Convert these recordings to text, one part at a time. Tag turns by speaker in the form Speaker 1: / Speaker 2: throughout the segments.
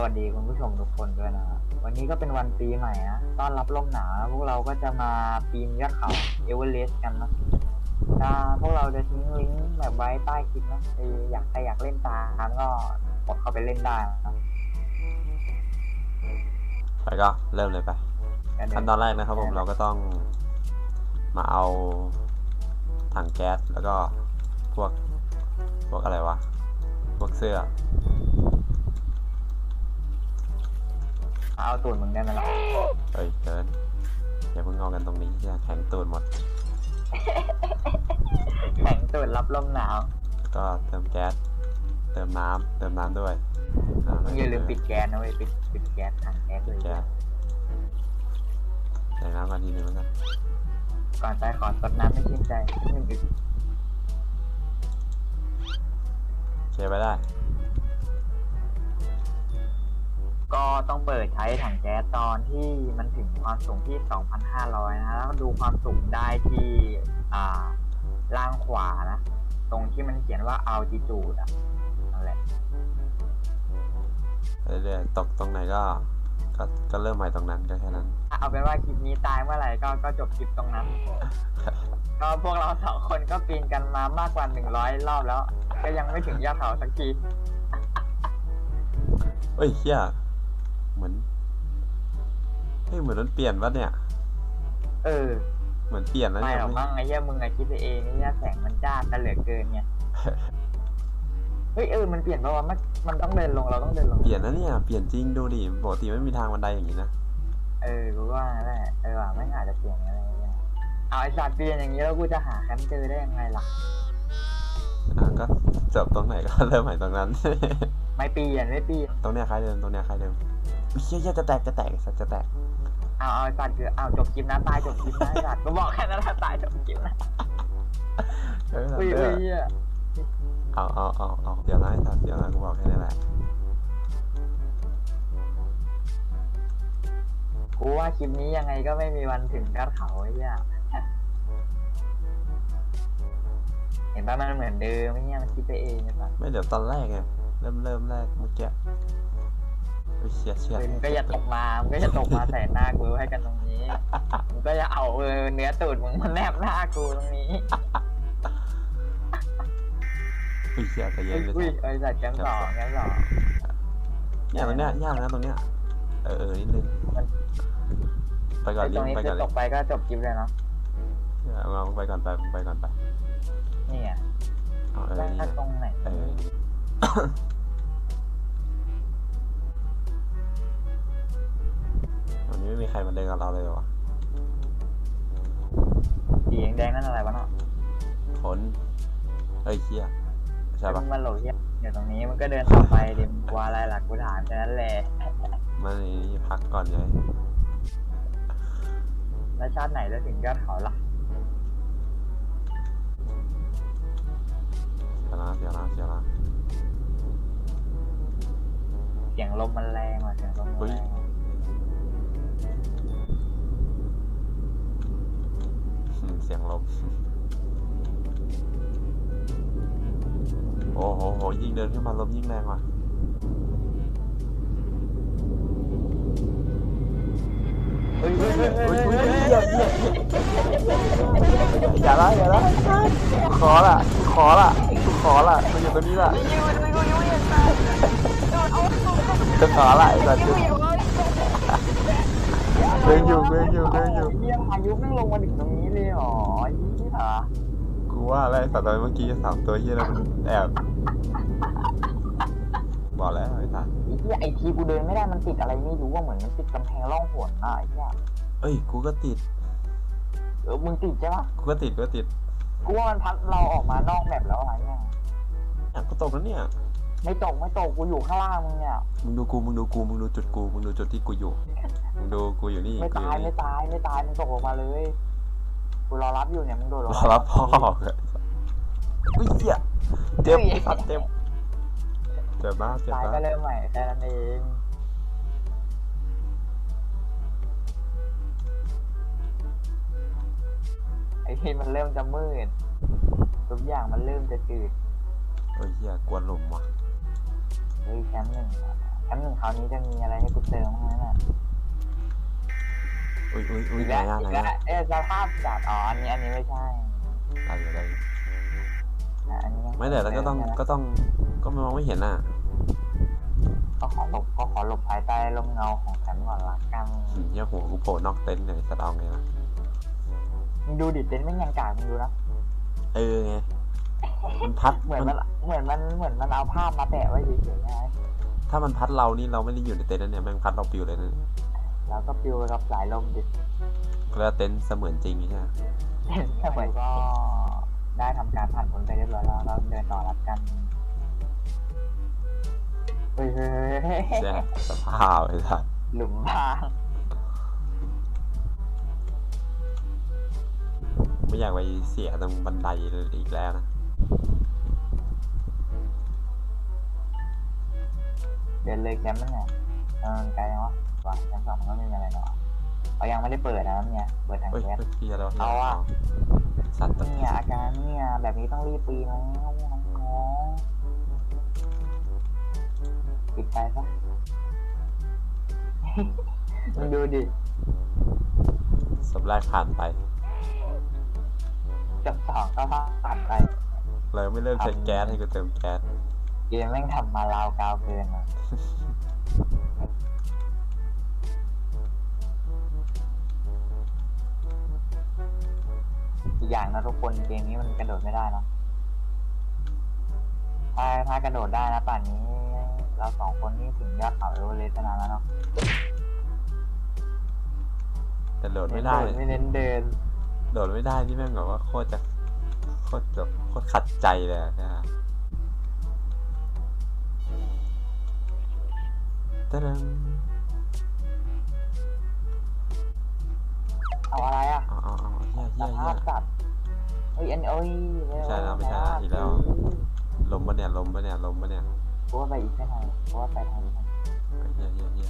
Speaker 1: วัสดีคุณผู้ชมทุกคนด้วยนะครับวันนี้ก็เป็นวันปีใหม่นะต้อนรับลมหนาวพวกเราก็จะมาปีนยอดเขาเอเวอเรสต์กันนะพวกเราจะทิ้งลิงก์แบบไว้ใต้คลิปนะใครอยากเล่นตามก็กดเข้าไปเล่นได้นะ
Speaker 2: ไปก็เริ่มเลยไปขั้นตอนแรกนะครับผมเราก็ต้องมาเอาถังแก๊สแล้วก็พวกอะไรวะพวกเสื้อ
Speaker 1: เอาตูดมึงได้ไหมล่ะ
Speaker 2: เฮ้ยเกินอย่าเพิ่งเอากันตรงนี้จะแข็งตูดหมด
Speaker 1: แข็งตูดรับลมหนาว
Speaker 2: ก็เติมแก๊สเติมน้ำด้วย
Speaker 1: มึงอย่าลืมปิดแก๊สนะเว้ยปิดแก๊สถังแก๊สเลย
Speaker 2: แก๊สใส่น้ำก่อนทีนึงแล้วกัน
Speaker 1: ก่อนไปขอสดน้ำไม่ชื่นใจ1 อึก
Speaker 2: เช็คไปได้
Speaker 1: ก็ต้องเปิดใช้ถังแก๊สตอนที่มันถึงความสูงที่ 2,500 นะแล้วดูความสูงได้ที่ล่างขวานะตรงที่มันเขียนว่า altitude นั่นแหละ
Speaker 2: เรื่อยๆตกตรงไหนก็เริ่มใหม่ตรงนั้นก็แค่นั้น
Speaker 1: เอาเป็นว่าคลิปนี้ตายเมื่อไหร่ก็จบคลิปตรงนั้น ก็พวกเรา2 คนก็ปีนกันมามากกว่า100 รอบแล้วก็ยังไม่ถึงยอดเขาสักที
Speaker 2: เฮ้ยเฮียเหมือนมันเปลี่ยนวะเนี่ยเหมือนเปลี่ยนแล้ว
Speaker 1: ไม่
Speaker 2: เนี่ย
Speaker 1: หรอกมั้งไอ้เหี้ยมึงไงคิดไปเองไอ้เหี้ยแสงมันจ้ากันเหลือเกินไง เฮ้ยมันเปลี่ยนเพราะว่ามันต้องเดินลงเราต้องเดินลง
Speaker 2: เปลี่ยนนะเนี่ยเปลี่ยนจริงดูดิปกติไม่มีทางบันไดอย่างนี้นะ
Speaker 1: รู้ว่าแหละว่ะไม่อาจจะเปลี่ยนอะไรอย่างเอาไอ้สัตว์เปลี่ยนอย่างนี้แล้วกูจะหาแคมป์เจอได้ยังไงล่ะ
Speaker 2: ก็จบตรงไหนก็เริ่มใหม่ตรงนั้น
Speaker 1: ไม่เปลี่ยน
Speaker 2: ตรงเนี้ยคล้ายเดิมเฮียจะแตกสัตว์จะแตก
Speaker 1: เอาสัตว์คือจบคลิปนะตายจบคลิปนะสัตว์ก็บอกแค่นั้นแหละตายจบคลิปนะอุ้ย
Speaker 2: เอาเดี๋ยวนะสัตว์เดี๋ยวนะกูบอกแค่นี้แหละ
Speaker 1: กูว่าคลิปนี้ยังไงก็ไม่มีวันถึงยอดเขาไอ้เหี้ยเห็นป่ะมันเหมือนเดิมไม่เนี่ยมันคิดไปเองใช่ปะ
Speaker 2: ไม่เดี๋ยวตอนแรกไงเริ่มแรกเมื่อกี้เชี่ย
Speaker 1: มึงก็อย่าตกมาใส่หน้ากูให้กันตรงนี้มึงก็อย่าเอาเนื้อตูดมึงมาแนบหน้ากูตรงนี้
Speaker 2: เชี่ยแต่เย็นเลย
Speaker 1: ไอ้สัตว์แกมสอง
Speaker 2: เนี่ยตรงเนี้ยยากนะตรงเนี้ยนิดนึงไปก่อน
Speaker 1: ตรงนี้จะตกไปก็จบคลิปเลยเนาะ
Speaker 2: เราไปก่อนไป
Speaker 1: นี่ไงถ้าตรงไหน
Speaker 2: วันนี้ไม่มีใครมาเดินกับเราเลยวะ
Speaker 1: สีแดงนั่นอะไรวะเนาะ
Speaker 2: ขนเชี่ยใช่ปะ
Speaker 1: มันโหลดเหี้ยเดี๋ยวตรงนี้มันก็เดินต่อไปดิมว่าอะไรหลักกูถามแค่นั้นแหละ
Speaker 2: มันพักก่อนเลย
Speaker 1: แล้วชาติไหนจะถึงยอดเขาล่ะ
Speaker 2: เสียละ
Speaker 1: เสียงลมมันแรงว่ะเสียงลมมันแรง
Speaker 2: เสียงลมโอ้โหยิ่งเดินขึ้นมาลมยิ่งแรงว่ะอย่าละขอละมันอยู่ตรงนี้ละจะขอละไอ้สัตว์เดินอยู่
Speaker 1: เยี่ยมอายุแม่งลงมาถึงตรงนี้เลยหรอยี่หรอ
Speaker 2: กูว่าอะไรสัตว์ตัวเมื่อกี้3 ตัวเฮียแล้วมันแอบบอกแล้วไอ้สัตว์
Speaker 1: ไอ้ทีกูเดินไม่ได้มันติดอะไรไม่รู้ว่าเหมือนมันติดกำแพงร่องหนน่ะไอ้เหี้ย
Speaker 2: กูก็ติด
Speaker 1: มึงติดใช่ปะ
Speaker 2: กูก็ติด
Speaker 1: กูว่ามันพัดเราออกมานอกแบบแล้วอะไรเนี่ย
Speaker 2: กูตกแล้วเนี่ย
Speaker 1: ไม่ตกกูอยู่ข้างล่างมึงเนี่ย
Speaker 2: มึงดูจุดกูมึงดูจุดที่กูอยู่มึงดูกูอยู่นี่
Speaker 1: ไม่ตายมึงตกลงมาเลยกูรอรับอยู่เนี่ยมึงโดด
Speaker 2: รอรับพ่ออุ้ยเหี้ยเจ็บมาก
Speaker 1: ตายก็เริ่มใหม่แค่นั้นเองไอ้ที่มันเริ่มจะมืดทุกอย่างมันเริ่มจะจืด
Speaker 2: เฮียกวนหลุมว่ะ
Speaker 1: แคมป์1 ครั้งหนึ่งคราวนี้จะมีอะไรให้กูเติมมั้งนะ
Speaker 2: อุ้ย
Speaker 1: อีก
Speaker 2: ไหน
Speaker 1: แล้ว
Speaker 2: อะ
Speaker 1: อี
Speaker 2: ไหน
Speaker 1: กแล้ว
Speaker 2: อะ
Speaker 1: สภาพจัดอ๋ออันนี้ไม่ใช่
Speaker 2: ได้อยู่ได้อยู่
Speaker 1: อันนี้ยัง
Speaker 2: ไม่แต่แล้วก็มองไม่เห็นอ่ะ
Speaker 1: ก็ขอหลบภายใต้ร่มเงาของแสงก่อนละกัน
Speaker 2: เหี้ยหัวกูโผล่นอกเต็นท์เลยสะดองไงล่ะ
Speaker 1: มึงดูดิเต็นท์ไม่ยังกากมึงดูนะ
Speaker 2: ไงมันพัด
Speaker 1: เหมือนมันเอาภาพมาแปะไว้เฉยๆนะ
Speaker 2: ถ้ามันพัดเรานี่เราไม่ได้อยู่ในเต็นท์นั่นเนี่ยแม่งพัดเราปลิวเลยนะ
Speaker 1: แล้วก็ปลิวไปกับสายลมดิ
Speaker 2: แล้วเต็นท์เสมือนจริงใช่ไหม
Speaker 1: เหมือนก็ได้ทำการผ่านพ้นไปเรียบร้อยแล้วก็เดินต่อรับกันเฮ้ย
Speaker 2: ใช่สภาพไอ้สัส
Speaker 1: หลุมพราง
Speaker 2: ไม่อยากไปเสียตรงบันไดอีกแล้วนะ
Speaker 1: เดินเลยแคมป์นั่นไงไกลยังวะว่าแคมป์สองมันก็ไม่มีอะไรหรอกเขายังไม่ได้เปิดนะเนี่ยเปิดทาง
Speaker 2: เฮ้ย
Speaker 1: แก๊ส
Speaker 2: พี่อะไรวะ
Speaker 1: เอาอะ
Speaker 2: สัตว์ตัว
Speaker 1: เนี่ยอาการเนี่ยแบบนี้ต้องรีบปีนแล้วน้องๆปิดไฟซะ มึงดูดิ
Speaker 2: สมแรกผ่านไป
Speaker 1: จับสองก็ผ่านไป
Speaker 2: เลยไม่เริ่มใช้แก๊สให้กูเติมแก๊ส
Speaker 1: เกมแม่งทำมาลาวกาวเกินอ่ะ อีกอย่างนะทุกคนเกมนี้มันกระโดดไม่ได้เนาะถ้ากระโดดได้นะป่านนี้เราสองคนนี่ถึงยอดเขาเอเวอเรสต์นานแล้วเนาะ
Speaker 2: แต่โดดไม่ได้
Speaker 1: ไม่เน้นเดิน
Speaker 2: โดดไม่ได้ที่แม่งแบบว่าโคตรขัดใจเลยอะนะฮะตะดึง
Speaker 1: เอาอะไรอ่ะ
Speaker 2: เอาเหี้ย
Speaker 1: ภาพสัตว์เฮ้ยไม่ใช่ละอีกแล้ว
Speaker 2: ลมปะเนี่ย
Speaker 1: กูว่าไปอีกแค่ไหนกูว่าไปทางนี้
Speaker 2: เหี้ยอีก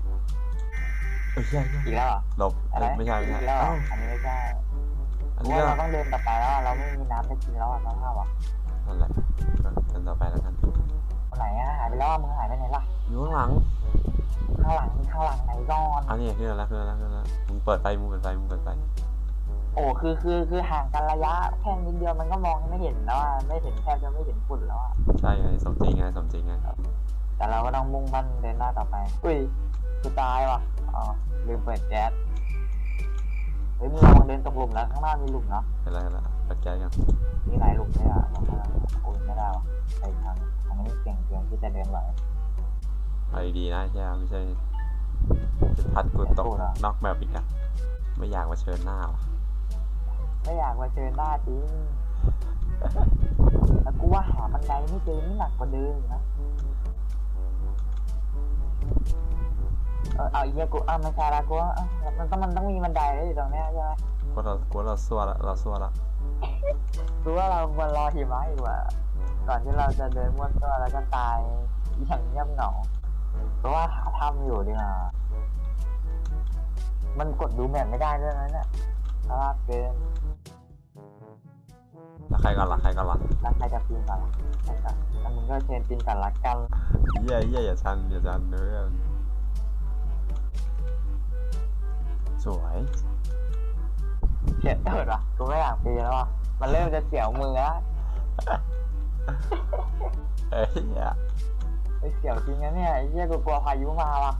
Speaker 2: แล้ว
Speaker 1: อีกแล้วเหรอ
Speaker 2: ลม
Speaker 1: อะไร
Speaker 2: ไม่ใช่
Speaker 1: อีกแล้วเหรออันนี้ไม่ใช่
Speaker 2: อัน
Speaker 1: กู
Speaker 2: นี้
Speaker 1: ว่า
Speaker 2: ก็
Speaker 1: เราต้องเดินต่อไปแล้วเราไม่มีน้ำจะกินแล้วอ่ะน้องข้าวอ่ะ
Speaker 2: นั่นแหละกันต่อไปแล้วกัน
Speaker 1: คนไหนอ่ะหายไปแล้วมึงหายไปไหนล่ะ
Speaker 2: อยู่ข้างหลัง
Speaker 1: ข้างหลังไหนก่อน
Speaker 2: อันนี้ขึ้นแล้วมึงเปิดไฟ
Speaker 1: โอ้คือห่างกันระยะแค่นิดเดียวมันก็มองไม่เห็นแล้วอ่ะไม่เห็นแทบจะไม่เห็นฝุ่นแล้วอ่ะ
Speaker 2: ใช่ไงสมจริงไง
Speaker 1: แต่เราก็ต้องมุ่งมั่นเดินหน้าต่อไปอุ้ยกูตายว่ะอ๋อลืมเปิดแก๊สเฮ้ยมึงระวังเดินตกหลุมแล้วข้างหน้ามีหลุมเนาะ
Speaker 2: เห็นแล้วเปิดแก๊สกัน
Speaker 1: มีหลายหลุมเลยอ่ะบอกว่าโอ้ยไม่ได้ว่ะไปทางนี้เก่งเกินที่จะเดินไหว
Speaker 2: เอาดีๆนะใช่ไม่ใช่จะพัดกูตกนอกแบบอีกอะไม่อยากมาเชิญหน้าว่ะ
Speaker 1: ไม่อยากมาเจอหน้าจริงแล้วกูว่าหาบันไดไม่เจอนี่หนักกว่าเดิมอีกนะเอาอีกเนี่ยกูไม่ใช่ละกูว่ามันต้องมีบันไดเลยอยู่ตรงเนี้ยใช่ไหม
Speaker 2: กลัวเราซัวละ
Speaker 1: กูว่าเราควรรอหิมะอีกว่าก่อนที่เราจะเดินม้วนตัวแล้วก็ตายอย่างเงียบเหงาเพราะว่าหาถ้ำอยู่ดีกว่ามันกดดูแมปไม่ได้ด้วยนะเนี่ยเพราะว่าเกิน
Speaker 2: แล้วใครก่อนล่ะ
Speaker 1: แล้วใครจะปีนก่อนล่ะแล้วมึงก็เชิญปีนก่อนละกัน
Speaker 2: เหี้ยอย่าชันเนื้อสวย
Speaker 1: เสียตูดว่ะกูไม่อยากปีนแล้วว่ะมันเริ่มจะเสียวมือแล้ว
Speaker 2: เอ้ยเนี่ย
Speaker 1: ไอ้เสียวจริงนะเนี่ยไอ้เหี้ยกูกลัวพายุมาว่ะ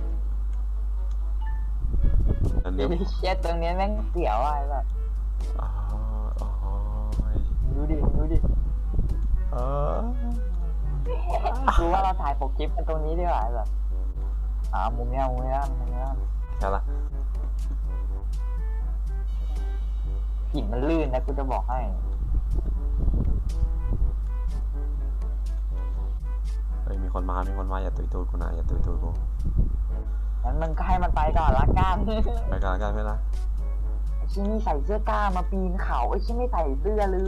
Speaker 2: อัน
Speaker 1: ไอ้
Speaker 2: นี้
Speaker 1: เหี้ยตรงนี้แม่งเสียวอ่ะไอ้แบบ
Speaker 2: อ๋อ
Speaker 1: ดูดิกูว่าเราถ่ายปกคลิปกันตรงนี้ดีกว่าไอ้แบบมุมเนี้ย
Speaker 2: แค่ละ
Speaker 1: หินมันลื่นนะกูจะบอกให้
Speaker 2: เฮ้ยมีคนมาอย่าตุยตูดกูนะอย่าตุยตูดกู
Speaker 1: งั้นมันก็ให้มันไปก่อนละกัน
Speaker 2: ไปกันเพื่อนนะ
Speaker 1: ไอ้ชิ้นนี่ใส่เสื้อกล้ามาปีนเขาไอ้ชิ้นไม่ใส่เสื้อเลย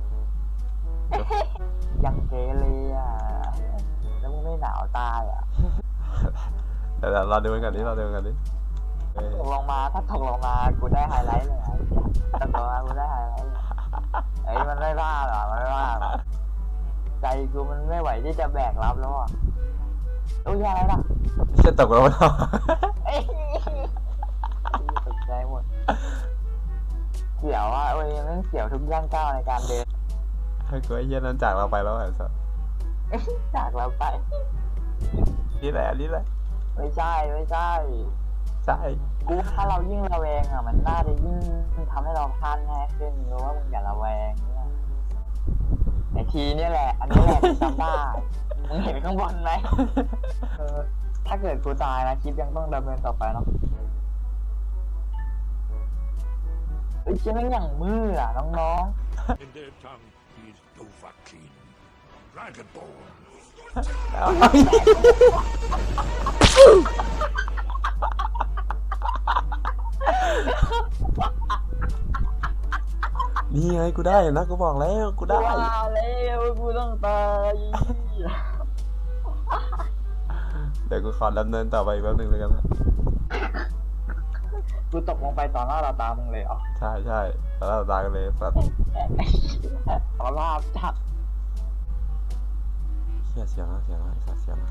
Speaker 1: ยังเกเรอ่ะแล้วมึงไม่หนาวตายอ่ะ
Speaker 2: เดี๋ยวเราดูกันดิถ้าตก
Speaker 1: ลงมาถ้าตกลงมากูได้ไฮไลท์เลยถ้าตกลงมากูได้ไฮไลท์เลยไอ้มันไม่บ้าหรอใจกูมันไม่ไหวที่จะแบกรับแล้วอ่ะโอ้ยอะไรล่ะ
Speaker 2: จะตกแล้วเนาะ
Speaker 1: เอ้ยตกใจหมดเสียวอ่ะโอ้ยมันเสียวทุกย่างก้าวในการเดิน
Speaker 2: ให้กูไอ้เหี้ยนั้นจากเราไปแล้วไอ้สัส
Speaker 1: จากเราไป
Speaker 2: นี่แหละนี่แหละ
Speaker 1: ไม่ใช่ไม่ใช่
Speaker 2: ใช่
Speaker 1: กูถ้าเรายิ่งระแวงอ่ะมันน่าจะยิ่งทำให้เราพลาดง่ายขึ้นรู้ว่ามึงอย่าระแวงเนี่ยไอทีเนี่ยแหละ อันนี้แหละที่จำได้มึงเห็นข้างบนไหมถ้าเกิดกูตายนะคลิปยังต้องดำเนินต่อไปเนาะไอ้เชี่ยแม่งอย่างมืออ่ะน้อง
Speaker 3: In their tongue, he is Dovahkiin, Dragonborn.
Speaker 2: นี่ไงกูได้นะกูบอกแล้วกู
Speaker 1: ๆ
Speaker 2: ได้
Speaker 1: ว่าแล้วกูต้องตาย
Speaker 2: เดี๋ยวกูขอดำเนินต่อไปอีกแป๊บนึงแล้วกันนะ
Speaker 1: กูตกลงไปต่อหน้าต่อตามึงเลยเหรอ
Speaker 2: ใช่ใช่แล้วเราตายกันเลยสัตว์
Speaker 1: ต่อหน้าจัด
Speaker 2: เชี่ยเสียวนะเสียวนะไอ้สัตว์เสียวนะ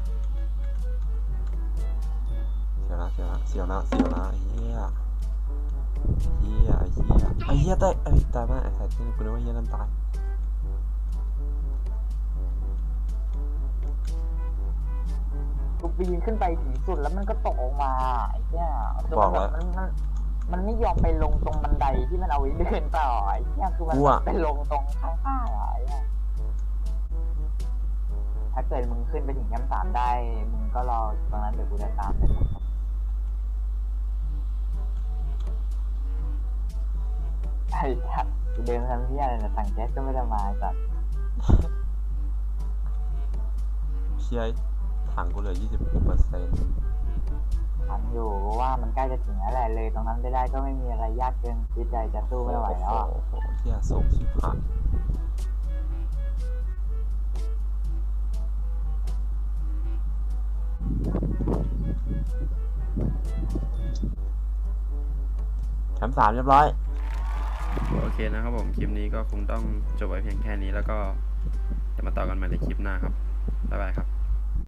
Speaker 2: เสียวนะเสียวนะเสียวนะเสียวนะไอ้เหี้ยเหี้ยไอ้เหี้ยไอ้เหี้ยตายไอ้ตายมากไอ้สัตว์ที่กูนึกว่าเหี้ยนั่นตาย
Speaker 1: กูปีนขึ้นไปถึงสุดแล้วมันก็ตกออกมาไอ้เนี่ยคือ
Speaker 2: บอก
Speaker 1: มัน
Speaker 2: แล้ว
Speaker 1: มันไม่ยอมไปลงตรงบันไดที่มันเอาไว้เดินต่อไอ้เนี่ยคือมัน
Speaker 2: กูอะ
Speaker 1: ไปลงตรงข้างๆอะไอ้เนี่ยถ้าเกิดมึงขึ้นไปถึงชั้น3ได้มึงก็รอตรงนั้นเดี๋ยวกูจะตามไปไอ้สัตว์กูเดินทำที่อะไรนะสั่งแก๊สก็ไม่ได้มาไอ้สัตว์
Speaker 2: เชี่ยถังกูเหลือ 20%
Speaker 1: ทำอยู่เพราะว่ามันใกล้จะถึงแล้วแหละเลยตรงนั้นไม่ได้ก็ไม่มีอะไรยากเกินที่ใจจะสู้ไม่ไหวแล้วอะ
Speaker 2: โอ้โหเชี่ยสูงชิบหายแชมป์3เรียบร้อย
Speaker 4: โอเคนะครับผมคลิปนี้ก็คงต้องจบไว้เพียงแค่นี้แล้วก็จะมาต่อกันใหม่ในคลิปหน้าครับบ๊ายบายครับ